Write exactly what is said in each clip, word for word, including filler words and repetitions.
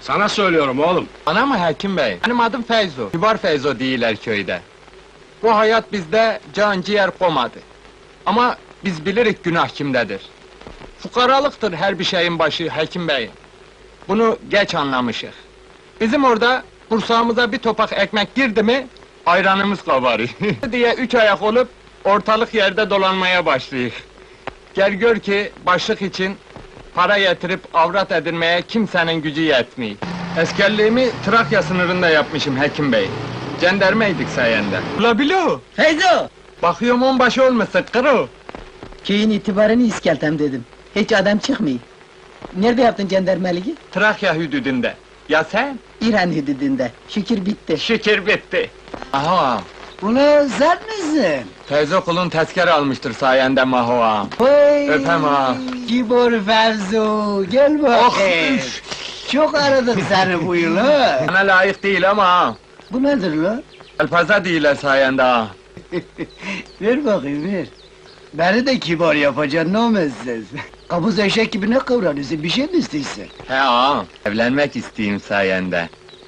Sana söylüyorum oğlum. Ana mı Hekim Bey? Benim adım Feyzo. Kibar Feyzo değiller köyde. Bu hayat bizde can ciğer komadı. Ama biz bilirik günah kimdedir. Fukaralıktır her bir şeyin başı Hekim Bey. Bunu geç anlamışık. Bizim orada kursağımıza bir topak ekmek girdi mi ayranımız kabarıyor. diye üç ayak olup ortalık yerde dolanmaya başlayık. Gel gör ki başlık için para getirip avrat edinmeye kimsenin gücü yetmiyor. Eskerliğimi Trakya sınırında yapmışım Hekim Bey. Cendermeydik sayende. Ula bilo! Feyzo! Bakıyorum onbaşı olmuşsun kırı. Köyün itibarını iskeltem dedim. Hiç adam çıkmıyor. Nerede yaptın cendermeliği? Trakya hüdüdünde. Ya sen? İran hüdüdünde. Şükür bitti. Şükür bitti. Aha! Ulan sen misin? Teyze kulun tezkere almıştır sayende Maho ağam. Oy! Öpem ha. Gibor Fevzo, gel Oh! bakayım. üf! Çok aradık seni bu yıl ha. Sana layık değil ama ha. Bu nedir lan? Elpaza değiller sayende ha. Ver bakayım ver. Beni de kibar yapacaksın, ne olmazsın? Kabuz eşek gibi ne kıvranıyorsun, bir şey mi istiyorsun? He ağam, evlenmek isteyeyim sayende.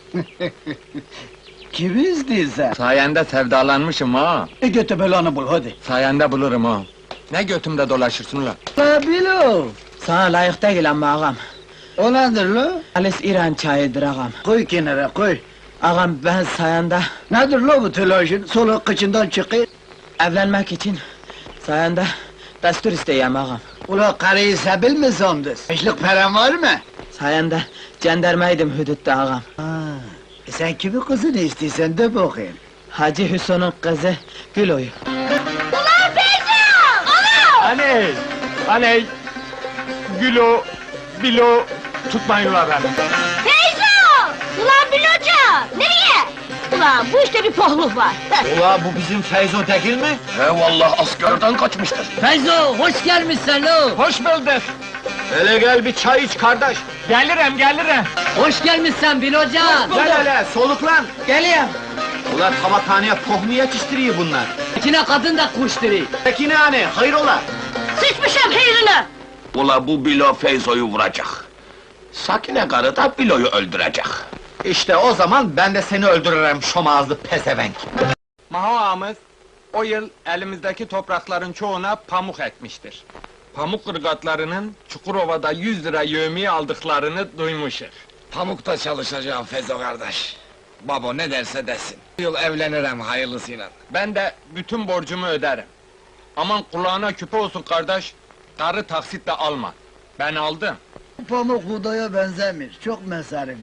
Kimi istiyorsun? Sayende sevdalanmışım ha. E götü belanı bul hadi. Sayende bulurum ha. Ne götümde dolaşırsın ulan? La bilo! Sana layık değil ama ağam. O nedir la? Halis İran çayıdır ağam. Koy kenara koy. Ağam ben sayende Nedir la bu telaşın? Solu kıçından çıkıyor. evlenmek için sayende destur isteyeyim ağam. Ula karıyı sebil mi sandın? Beşlik paran var mı? Sayende cendermeydim hüdütte ağam. Ha, e sen kimin kızını istiyorsan de bakayım. Hacı Hüsnü'nün kızı Gülo'yu. Ulan Feyzo! Ana! Aney! Aney! Gülo, bilo, tutmayın ulan beni. Feyzo! Ulan Biloca! Nereye? Ulan bu işte bir pohluk var. Ula bu bizim Feyzo Tekil mi? He vallahi askerden kaçmıştır. Feyzo hoş gelmişsin lo. Hoş bulduk. Hele gel bir çay iç kardeş. Gelirim, gelirim. Hoş gelmişsin Bilocan. Gel hele soluklan. Geliyorum. Ula tabakhaneye tohmu yetiştiriyor bunlar. İçine kadın da kuşturu. Peki ne hani hayrola? Sıçmışım heyrine! Ula bu Bilo Feyzo'yu vuracak. Sakine karı da Bilo'yu öldürecek. İşte o zaman ben de seni öldürürüm şomağızlı pezevenk. Maho ağamız, o yıl elimizdeki toprakların çoğuna pamuk ekmiştir. Pamuk ırgatlarının Çukurova'da yüz lira yevmiye aldıklarını duymuşuz. Pamukta çalışacağım Fezo kardeş. Babo ne derse desin. Bu yıl evlenirim hayırlısıyla. Ben de bütün borcumu öderim. Aman kulağına küpe olsun kardeş, karı taksitle alma. Ben aldım. Pamuk buğdaya benzemiyor, çok mesarif.